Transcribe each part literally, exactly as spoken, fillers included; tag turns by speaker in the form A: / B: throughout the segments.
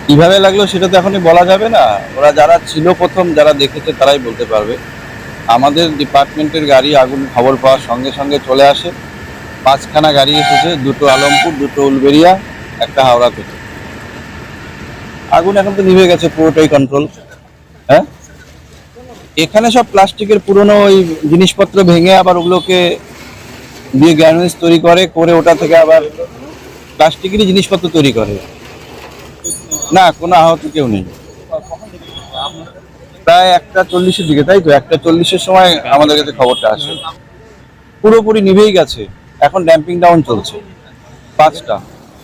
A: কিভাবে লাগলো সেটা তো এখনই বলা যাবে না। ওরা যারা ছিল প্রথম, যারা দেখেছে তারাই বলতে পারবে। আমাদের ডিপার্টমেন্টের গাড়ি আগুন খবর পাওয়ার সঙ্গে সঙ্গে চলে আসে। পাঁচখানা গাড়ি এসেছে, দুটো আলমপুর, দুটো উলবেড়িয়া, একটা হাওড়া থেকে। আগুন এখন তো নিভে গেছে, পুরোটাই কন্ট্রোল। হ্যাঁ, এখানে সব প্লাস্টিকের পুরনো ওই জিনিসপত্র ভেঙে আবার ওগুলোকে দিয়ে গ্যানুয়েজ তৈরি করে, করে ওটা থেকে আবার প্লাস্টিকেরই জিনিসপত্র তৈরি করে। না, কোনো আহত কেউ নেই। প্রায় একটা চল্লিশের দিকে, তাই তো, একটা চল্লিশের সময় আমাদের কাছে খবরটা আসে। পুরোপুরি নিভেই গেছে, এখন ড্যাম্পিং ডাউন চলছে। পাঁচটা।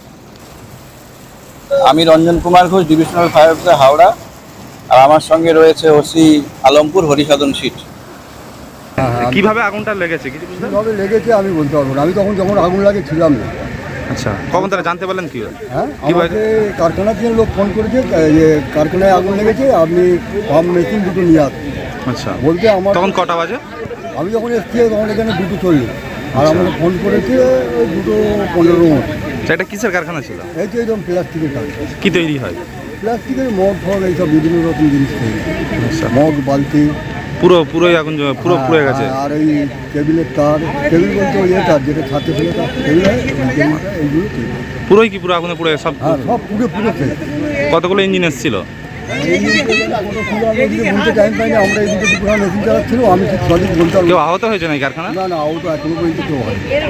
A: আমি Ranjan Kumar Ghosh, divisional fire officer, Howrah. আর আমার সঙ্গে রয়েছে ওসি আলমপুর, হরিসাধন সিট।
B: হ্যাঁ হ্যাঁ,
C: কিভাবে আগুনটা লেগেছে কিছু বুঝতে পারলেন?
B: কীভাবে লেগেছে আমি বলতে পারবো না। আমি তখন যখন আগুন লাগে ছিলাম না।
C: আচ্ছা, কখন তারা জানতে পারলেন কি?
B: হ্যাঁ,
C: কিভাবে?
B: আমাকে কারখানা থেকে লোক ফোন করেছে যে কারখানায় আগুন লেগেছে, আপনি পাম্প মেশিন দুটো নিয়ে আসুন।
C: আচ্ছা,
B: বলতে আমার
C: তখন কটা বাজে?
B: আমি যখন এসছি তখন এখানে দুটো চল্লিশ, আর আমাকে ফোন করেছে ওই দুটো পনেরো মতো।
C: আচ্ছা, এটা কিসের কারখানা ছিল?
B: এই তো একদম প্লাস্টিকের কারখানা।
C: কি তৈরি হয়?
B: প্লাস্টিকের মগ ফগ এইসব বিভিন্ন রকম জিনিস তৈরি।
C: আচ্ছা,
B: মগ, বালতি,
C: পুরো পুরোই আগুন জ্বলে- পুরো পুড়ে গেছে।
B: হ্যাঁ, আর এই টেবিলের তার, টেবিল বলতে ওই তার যেটা ছাতে ছিল তার টেবিল, এইগুলো তৈরি।
C: পুরোই কি পুরো আগুনে পুড়ে সব?
B: হ্যাঁ, সব পুরো পুরো শেষ।
C: কতগুলো ইঞ্জিন এসেছিল?
B: বলতে টাইম পাইনি, আমরা এই দুটো দুপুরা মেশিন চালাচ্ছিল, আমি ঠিক সঠিক বলতে পারবো
C: কেউ
B: না।
C: আহত হয়েছে না এই কারখানা?
B: না না, ও তো এখনো পর্যন্ত কেউ হয়।